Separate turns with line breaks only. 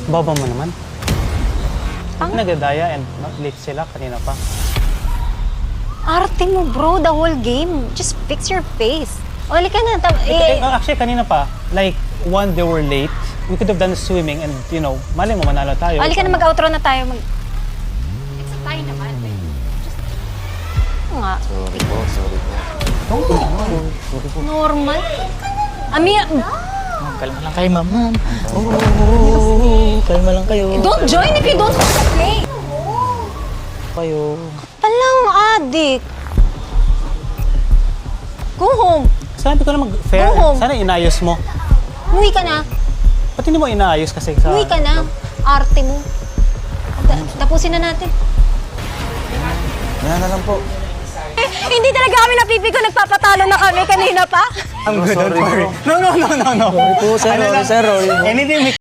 Baba mo naman. Nagdadaya and late sila kanina pa.
Arte mo, bro, the whole game. Just fix your face. O, halika na.
Actually, kanina pa, like, one, they were late. We could have done swimming and, you know, mali mo, manalo tayo.
Halika na, mag-outro na tayo.
It's a tie naman.
Oo nga.
Sorry po.
Normal. Amir,
Kalma lang kayo, ma'am. Kalma lang kayo.
don't join if you don't want to play.
Kayo.
Palang adik. Go home.
Sabi ko na mag-fair.
Go home.
Sana inayos mo.
Umuwi ka na.
Ba't hindi mo inaayos kasi sa...
Umuwi ka na. Arte mo. Tapusin na natin.
Yan na lang po.
Hindi talaga kami napipiko. Nagpapatalo na kami kanina pa.
I'm good,
Sorry,
don't worry.
bro.
No.
Sorry po, sir. Sorry, sir.
Anything